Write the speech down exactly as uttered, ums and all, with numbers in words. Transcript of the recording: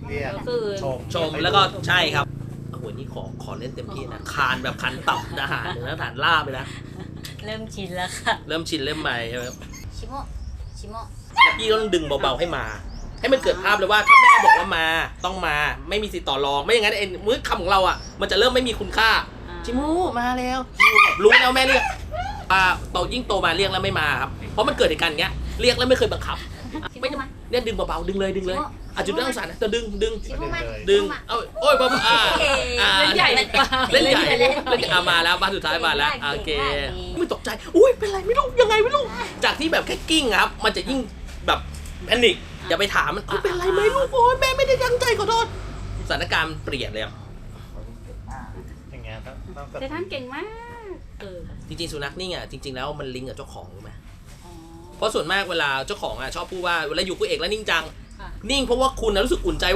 เรียกก็คือชมชมแล้วก็ใช่ครับโอ้โหนี่ขอขอเล่นเต็มที่นะคานแบบคันตับอาหารเลยนะฐานลาบไปนะเริ่มชินแล้วค่ะเริ่มชินเริ่มใหม่ใช่ไหมชิโมะชิโมะแล้วพี่ก็ต้องดึงเบาๆให้มา ให้มันเกิดภาพเลยว่าถ้าแม่บอกว่ามาต้องมาไม่มีสิทธิ์ต่อรองไม่อย่างนั้นไอ้มื้อคำของเราอ่ะมันจะเริ่มไม่มีคุณค่าชิมูมาแล้วรู้แล้วแม่เรียกอ่าโตยิ่งโตมาเรียกแล้วไม่มาครับเพราะมันเกิดเหตุการณ์อย่างเงี้ยเรียกแล้วไม่เคยบังคับ ไม่ต้องเนี่ยดึงเบาๆดึงเลยดึงเลยอาจจะต้องสารนะจะดึงดึงชิโมะมาดึงเอ้าโอ้ยเบาๆอ่าอ่าเล่นใหญ่เลยเล่นใหญ่เล่นอ่ะมาแล้วบ้านสุดท้ายมาแล้วโอเคไม่ตกใจอุ้ยเป็นไรไม่รู้ยังไงไม่รู้จากที่แบบแค่กิ้งครับมันจะยิ่งแบบแพนิคอย่าไปถามมันเป็นไรไหมลูกโอ้ยแม่ไม่ได้ตั้งใจขอโทษสถานการณ์เปลี่ยนเลยครับอย่างเงี้ยต้องต้องเซท่านเก่งมากเออจริงๆสุนัขนี่อ่ะจริงๆแล้วมันลิงก์กับเจ้าของรู้ไหมอ๋อเพราะส่วนมากเวลาเจ้าของอ่ะชอบพูดว่าเวลาอยู่กับเอกแล้วนิ่งจังค่ะนิ่งเพราะว่าคุณนะรู้สึกอุ่นใจ